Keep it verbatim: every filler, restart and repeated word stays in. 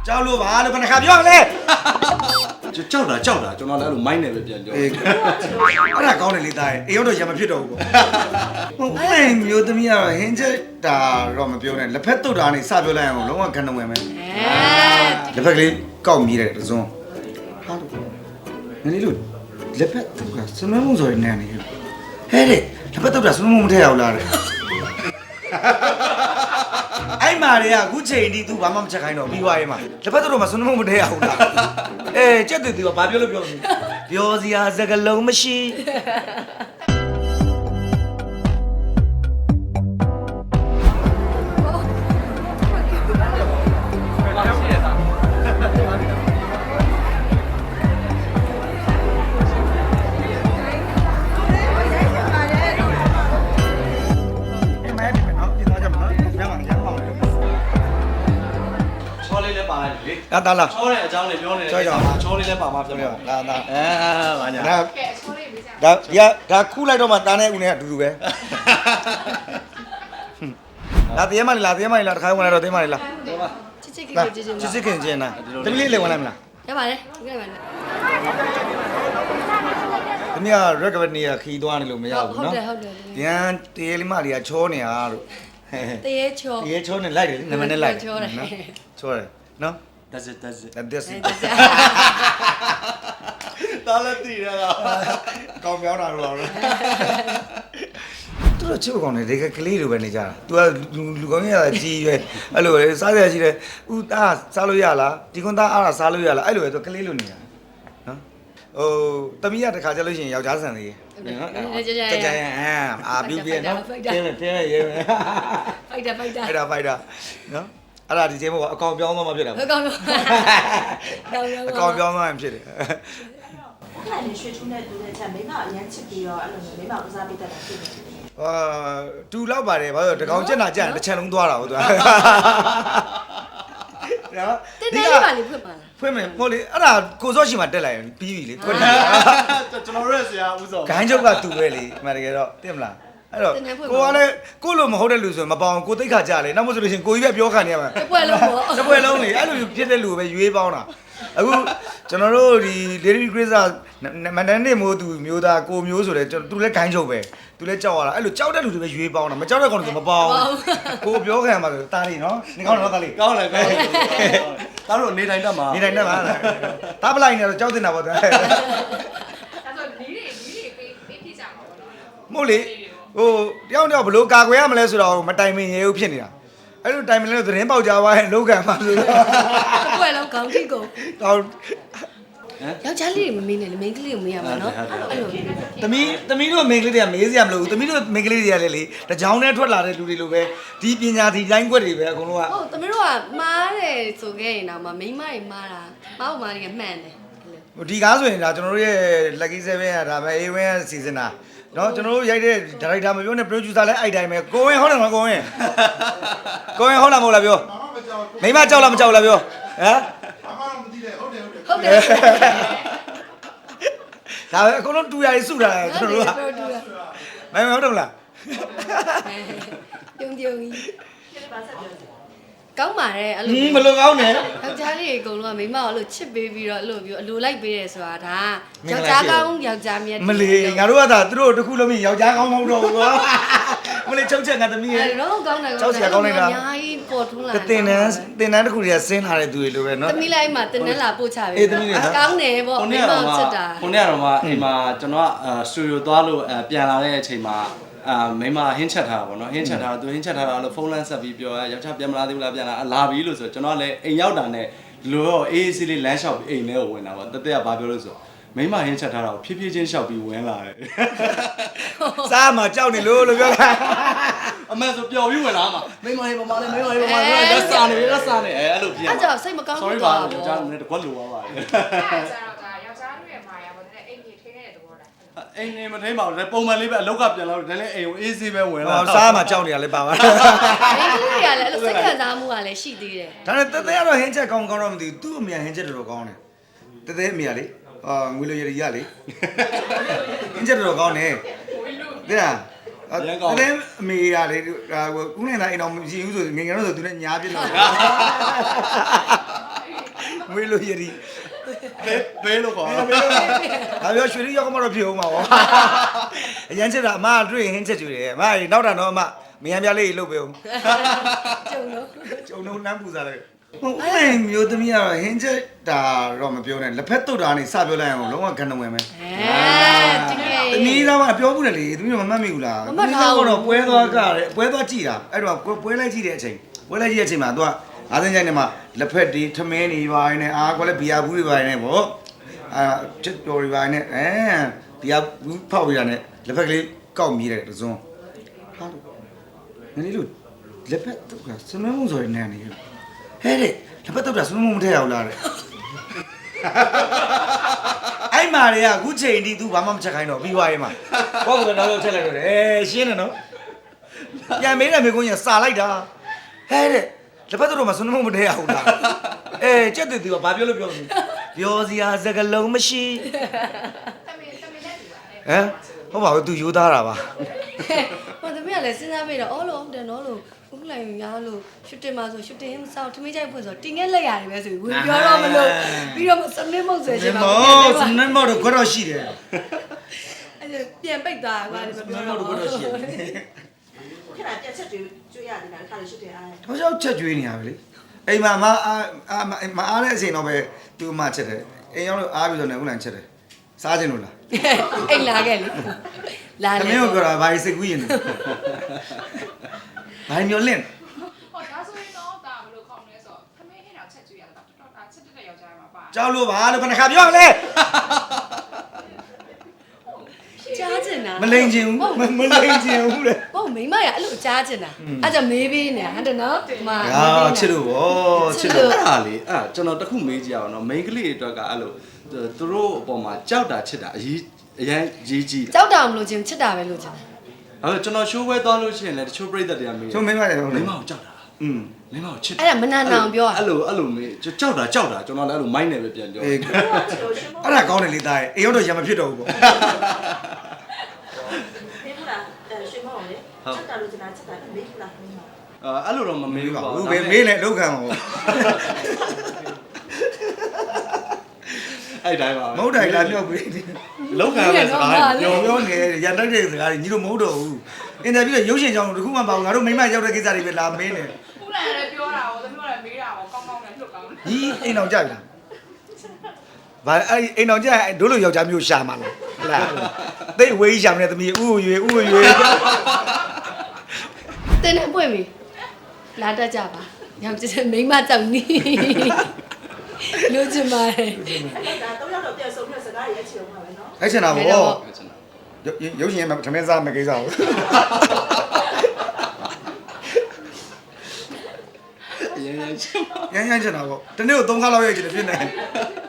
ကြောက်လို့ပါလို့ခဏခါပြောလေကြောက်တာကြောက်တာကျွန်တော်လည်းအဲ့လိုမိုင်းနေပဲပြန်ပြောအေးအဲ့ဒါကောင်းတယ်လေသားရဲ့အေးတော့ရမဖြစ်တော့ဘူးပေါ့ဟုတ်အဲ့မျိုးသမီးကတော့ဟင်းချက်တာတော့မပြောနဲ့လက်ဖက်တုတ်တာနေစပြောလိုက်အောင်လုံးဝခံတော့ဝင်မယ်လက်ဖက်ကလေးကောက်မြည်တယ်တစုံဟာလို့နည်းလို့လက်ဖက်တုတ်ကစမမုံဆိုရင်နန်းနေဟဲ့တဲ့လက်ဖက်တုတ်တာစမမုံမထည့်အောင်လားတဲ့အဲ့မာတွေကအခုချိန်ဒီ तू ဘာမှမချက်ခိုင်းတော့ပြီးသွားရေးမှာလက်ဖက်တော့မှစွန်းမမထဲရအောင်လားအေးကြက်တူတူကဘာပြောလို့ပြောလို့ပြောစရာစကားလုံးမရှိလာတာလာချောတဲ့အကြောင်းလေးပြောနေတယ်ချောချောလေးလည်းပါမှာဖြစ်မှာလာလာအဲဘာညာဒါဒါရဒါခူးလိုက်တော့မှတားနဲ့ဦးနဲ့အတူတူပဲလာသေးမလားလာသေးမလားတခါဝင်လာတော့သေးမလားလာချစ်ချစ်ခင်ခင်ချစ်ချစ်ခင်ချင်းနာတမီးလေးလေဝင်လိုက်မလားရပါတယ်ဒီကနေ့ပါလေတမီးက recovery ကခီးသွားနေလို့မရဘူးနော်ဟုတ်တယ်ဟုတ်တယ်ပြန်တရေလေးမလေးကချောနေတာလို့တရေချောတရေချောနေလိုက်တယ်နမနဲ့လိုက်ချောတယ်ချောတယ်နော် that's it that's it that's it တားလက်တည်ရတာကောင်းပြောင်းတာလို့တော့သူတို့ချစ်ကောင်းနေဒီကကလေးလိုပဲနေကြတာ तू ကလူကောင်းရတာကြီးရွယ်အဲ့လိုလေစားရရှိတယ်ဥသားစားလို့ရလားဒီကွန်သားအားတာစားလို့ရလားအဲ့လိုပဲ तू ကလေးလိုနေတာနော်ဟိုတမီးရတခါကြလို့ရှိရင်ယောက်ျားဆန်သေးရဲ့နော်ကြကြကြကြအာအာပြူပြနော်တင်းတင်းရဲဖိုက်တာဖိုက်တာအဲ့ဒါဖိုက်တာနော်အဲ့ဒါဒီချိန်မှာအကောင်ပြောင်းသွားမှဖြစ်တာအကောင်ပြောင်းအကောင်ပြောင်းသွားမှဖြစ်တယ်အဲ့ဒါနဲ့ရွှေထူးနဲ့တူတဲ့ချက်မိမအရင်ချစ်ပြီးတော့အဲ့လိုမျိုးမိမဦးစားပေးတတ်တာဖြစ်နေတယ်အာတူလောက်ပါတယ်ဘာလို့တကောင်ကျက်တာကျက်တစ်ချက်လုံးသွားတာဟုတ်သွားနော်တင်းနေပါလေဖွင့်ပါလားဖွင့်မယ်ဟိုလေအဲ့ဒါကိုစောရှိမှတက်လိုက်ပြီးပြီလေဖွင့်တယ်ကျွန်တော်ရဲ့ဆရာဦးစောဂိုင်းချုပ်ကတူပဲလေမှန်တကယ်တော့သိမလားအဲ့တော့ကိုကလည်းကိုလိုမဟုတ်တဲ့လူဆိုရင်မပေါအောင်ကိုသိခါကြလေနောက်မှဆိုလို့ရှိရင်ကိုကြီးပဲပြောခံနေရမှာတစ်ပွဲလုံးပေါ့တစ်ပွဲလုံးလေအဲ့လိုဖြစ်တဲ့လူပဲရွေးပေါင်းတာအခုကျွန်တော်တို့ဒီ Lady Grace မန္တန်နေမို့သူမျိုးသားကိုမျိုးဆိုတဲ့သူလည်းဂိုင်းချုပ်ပဲသူလည်းကြောက်ရတာအဲ့လိုကြောက်တဲ့လူတွေပဲရွေးပေါင်းတာမကြောက်တဲ့ကောင်တွေမပေါအောင်ကိုပြောခံမှာဆိုတားလေးနော်နေကောင်းတော့တားလေးကောင်းတယ်ကောင်းတယ်တားတို့နေတိုင်းတက်မှာနေတိုင်းတက်မှာတားပလိုက်နေတော့ကြောက်တင်တာပေါ့တဲ့အဲ့ဆိုနီးတွေနီးတွေပေးပေးပြကြမှာပေါ့နော်မဟုတ်လေဟိုတယောက်တယောက်ဘလို့ကာကွယ်ရမလဲဆိုတော့မတိုင်မင်ရေဦးဖြစ်နေတာအဲ့လိုတိုင်မင်လဲသတင်းပေါက်ကြသွားရင်လောက်ခံမှာဆိုတော့တစ်ပွဲလုံးခေါင်းထိတ်ကုန်တောင်းယောက်ျားလေးတွေမမေးနဲ့လေမိန်းကလေးကိုမေးရမှာနော်အဲ့လိုသမီးသမီးတို့မိန်းကလေးတွေကမေးစရာမလိုဘူးသမီးတို့မိန်းကလေးတွေကလည်းလေတကြောင်နဲ့ထွက်လာတဲ့လူတွေလိုပဲဒီပညာဒီလိုင်းကွက်တွေပဲအကုန်လုံးကဟုတ်သမီးတို့ကမားတယ်ဆိုခဲ့ရင်တော့မမိန်းမတွေမားတာမောက်မားတွေကမှန်တယ်ဒီကားဆိုရင်ဒါကျွန်တော်တို့ရဲ့ Lucky Seven ကဒါပဲ A one ကစီစဉ်တာနော်ကျွန်တော်တို့ရိုက်တဲ့ဒါရိုက်တာမပြောနဲ့ producer လည်းအဲ့တိုင်းပဲကိုဝင်ဟုတ်တယ်မကိုဝင်ကိုဝင်ဟုတ်လားမဟုတ်လားပြောမိမကြောက်လားမကြောက်လားပြောဟမ်ဘာမှမသိတယ်ဟုတ်တယ်ဟုတ်တယ်ဟုတ်တယ်ဒါပဲအကုန်လုံးတူရည်စုတာကျွန်တော်တို့ကမင်းမဟုတ်တယ်မလားပြုံးပြုံးကြီးကောင်းပါတယ်အဲ့လိုမလို့ကောင်းတယ်ယောက်ျားလေးအကုန်လုံးကမိမအဲ့လိုချစ်ပေးပြီးတော့အဲ့လိုမျိုးအလိုလိုက်ပေးတယ်ဆိုတာဒါယောက်ျားကောင်းယောက်ျားမြတ်မလေးငါတို့ကသာသူတို့တခုလုံးမြင်ယောက်ျားကောင်းမဟုတ်တော့ဘူးကွာမလေးချုပ်ချက်ငါသမီးရဲ့အဲ့တော့ကောင်းတယ်ကောင်းတယ်ကောင်းလိုက်တာအများကြီးပေါ်ထွန်းလာတယ်တင်တန်းတင်တန်းတခုတွေကဆင်းလာတဲ့သူတွေလိုပဲနော်သမီးလိုက်မှတင်တန်းလာပို့ချပေးကောင်းတယ်ပေါ့မိမချစ်တာခုနေ့ကတော့မှအိမ်မှာကျွန်တော်ကစတူဒီယိုသွားလို့ပြန်လာတဲ့အချိန်မှာအာမိမဟင်းချက်ထားတာပေါ့နော်ဟင်းချက်ထားတာသူဟင်းချက်ထားတာလို့ဖုန်းလမ်းဆက်ပြီးပြောရယောက်ျားပြန်မလာသေးဘူးလားပြန်လာလာပြီလို့ဆိုကျွန်တော်လည်းအိမ်ရောက်တာနဲ့လိုတော့အေးအေးဆေးလေးလမ်းလျှောက်ပြီးအိမ်ထဲကိုဝင်တာပေါ့တသက်ကဘာပြောလို့ဆိုမိမဟင်းချက်ထားတာကိုဖြည်းဖြည်းချင်းလျှောက်ပြီးဝင်လာတယ်စားမှာကြောက်နေလို့လို့ပြောတာအမှန်ဆိုပျော်ပြီးဝင်လာမှာမိမဟင်းပမာလေးမိမဟင်းပမာလေးလက်စားနေလက်စားနေအဲအဲ့လိုပြင်အဲ့ကြောင့်စိတ်မကောင်းဘူးတော့ယောက်ျားလည်းတကွက်လိုသွားပါတယ်အဲ့ဒါကျတော့ဒါယောက်ျားတွေမာယာပေါ့တဲ့အိမ်ကြီးထိနေတဲ့သဘောလားအိမ်နေမထိန်ပါဘူးပုံမှန်လေးပဲအလောက်ကပြန်လာတော့ဒါလည်းအိမ်ကိုအေးဆေးပဲဝင်လာစားမှာကြောက်နေရလဲပါပါမိန်းကလေးတွေကလည်းအဲ့လိုစိတ်ခံစားမှုကလည်းရှိသေးတယ်ဒါနဲ့တသက်ကတော့ဟင်းချက်ကောင်းကောင်းတော့မသိဘူးသူ့အမေဟင်းချက်တော်တော်ကောင်းတယ်တသက်အမေကလေအာငွေလိုရည်ရလေဟင်းချက်တော်တော်ကောင်းတယ်တဲ့လားတသက်အမေကလေခုနေတာအိမ်တော်မရှိဘူးဆိုငငယ်တော့ဆိုသူနဲ့ညားပြစ်လို့ငွေလိုရည်ဘဲဘဲလို့ခေါ်ဒါပြောရွှေလေးရောက်ကမှတော့ဖြစ်အောင်ပါဗောအရင်ချက်တာအမတွေ့ဟင်းချက်ကျွေးတယ်အမနောက်တာတော့အမမယံပြလေးလှုပ်ပေးအောင်ကျုံလို့ကျုံလုံးနမ်းပူစားလိုက်ဟုတ်အဲ့မျိုးသမီးကတော့ဟင်းချက်တာတော့မပြောနဲ့လက်ဖက်တုတ်တာနေစပြောလိုက်အောင်လုံးဝကန်တော်ဝင်မယ်အဲဒီကသမီးသားကပြောဘူးလေသမီးတော့မမှတ်မိဘူးလားတော့ပွဲသွားကြတယ်ပွဲသွားကြည့်တာအဲ့တော့ပွဲလိုက်ကြည့်တဲ့အချိန်ပွဲလိုက်ကြည့်တဲ့အချိန်မှာ तू ကအားစင်းကြိုင်နေမှာလက်ဖက်တွေထမင်းတွေပါနေအာကွာလဲဘီယာဘူးတွေပါနေဗောအာချစ်တော်တွေပါနေအဲဘီယာဘူးဖောက်ပြရတဲ့လက်ဖက်ကလေးကောက်မြည်တယ်တစုံဟာနည်းလို့လက်ဖက်တုတ်ကစမုံဆိုရနေနေဟဲ့တဲ့လက်ဖက်တုတ်ကစမုံမထည့်အောင်လားတဲ့အဲ့မာတွေကအခုချိန်ဒီ तू ဘာမှမချက်ခိုင်းတော့ပြီးသွားရေးမှာဘောကတော့တော့ချက်လိုက်တော့တယ်အဲရှင်းတယ်နော်ပြန်မေးတယ်မေကွန်းကြီးစာလိုက်တာဟဲ့တဲ့လက်ဖက်တော့မစနမမထဲအောင်လားအဲကြက်တူတူကဘာပြောလို့ပြောလို့ပြောစရာစကလုံးမရှိတမင်တမင်နဲ့တူပါလေဟမ်ဟုတ်ပါဘူး तू ယူသားတာပါဟိုတမီးကလည်းစဉ်းစားပြီးတော့အော်လို့ဟုတ်တယ်နော်လို့ဦးလိုက်ရလို့ရှူတင်မှာဆိုရှူတင်မစောက်ထမင်းကြိုက်ဖွင့်ဆိုတင်းငယ်လက်ရတယ်ပဲဆိုပြီးပြောတော့မလို့ပြီးတော့စနစ်မုတ်ဆွဲချင်ပါမောစနမောတော့ကတော့ရှိတယ်အဲ့ပြန်ပိတ်သွားကွာဒီမပြောတော့ကတော့ရှိတယ်ခဏပြက်ချက်တွေကျွေးရတယ်ခါလေးရှုတင်အားတော့ကြောက်ချက်ကျွေးနေရပဲလေအိမ်မှာမအားမအားတဲ့အချိန်တော့ပဲ तू မှချက်တယ်အိမ်ရောက်လို့အားပြီးတော့လည်းဦးလန်ချက်တယ်စားခြင်းလို့လားအိတ်လာခဲ့လေလာတလေမင်းကိုပြောတာဘာစိတ်ကူးရင်လဲဘာမျိုးလင့်ဟောဒါဆိုရင်တော့ဒါဘယ်လိုခေါင်းလဲဆိုတော့သမီးဟင်းတော့ချက်ကျွေးရတာတော်တော်ဒါချက်တဲ့ယောက်ျားမှာပါကြောက်လို့ပါလို့ခဏခါပြောလဲကြားချင်တာမလိန်ချင်ဘူးမလိန်ချင်ဘူးလေဟုတ်မိမရအဲ့လိုကြားချင်တာအဲ့ကြောင့်မေးပေးနေတာဟုတ်တယ်နော်ဒီမှာဟာချစ်လို့ဗောချစ်လို့အဲ့ဒါလေအဲ့ကျွန်တော်တခုမေးကြည့်အောင်နော်မိန်းကလေးတွေအတွက်ကအဲ့လိုသူတို့အပေါ်မှာကြောက်တာချစ်တာအရေးအရင်ရေးကြည့်တာကြောက်တာမလို့ချင်းချစ်တာပဲလို့ချင်တာအဲ့တော့ကျွန်တော်ရှိုးပွဲသွားလို့ရှိရင်လည်းတချို့ပြိတ္တတွေကမေးချုံမင်းမတယ်ဟုတ်မိလေန်းမကိုကြောက်တာอืมမိန်းမကိုချစ်အဲ့ဒါမနာနာအောင်ပြောอ่ะအဲ့လိုအဲ့လိုမေးကြောက်တာကြောက်တာကျွန်တော်လည်းအဲ့လိုမိုင်းနေပဲပြန်ပြောအေးအဲ့ဒါကောင်းတယ်လေသားရဲ့အိမ်ရောက်တော့ရမဖြစ်တော့ဘူးဗောမင်းဘူးလားအဲရွှေမောင်လေချက်တာလို့ကျွန်တော်ချက်တာမေးဘူးလားမင်းမအဲ့လိုတော့မမေးမေးဘူးပါပါဘူးဘယ်မေးလဲလောက်ခံအောင်အဲ့တိုင်းပါမဟုတ်တယ်လားပြောပေးတယ်လောက်ခံရစကားပြောပြောပြောနေရန်တိုက်တဲ့စကားကြီးညီတို့မဟုတ်တော့ဘူးအင်တာဗျူးရုပ်ရှင်ကြောင်တခုမှမပါဘူးငါတို့မိမရောက်တဲ့ကိစ္စတွေပဲလာမင်းနေခုနကလည်းပြောတာကိုသမီးကလည်းမေးတာကိုကောင်းကောင်းနဲ့လှုပ်ကောင်းတယ်ကြီးအိမ်အောင်ကြပြီလားဘာအဲ့အိမ်အောင်ကြရင်တို့လိုယောက်ျားမျိုးရှာမှာလားဟလားသိဝေးရှာမနေသမီးဥဥရွေဥဥရွေတင်းနဲ့ပွင့်ပြီလာတတ်ကြပါညောင်ကျတဲ့မိန်းမကြောက်နီးလို့ချင်ပါတယ်ဒါတော့ရောက်တော့ပြက်ဆုံးပြက်စကားရဲ့အခြေုံပါပဲနော်အဲ့ချင်တာဗောရုပ်ရှင်မှာထမင်းစားမယ်ကိစ္စကိုရန်ရန်ချစ်ပါရမ်းရမ်းချင်တာဗောတနေ့ကိုသုံးခါလောက်ရိုက်ချင်တယ်ဖြစ်နေ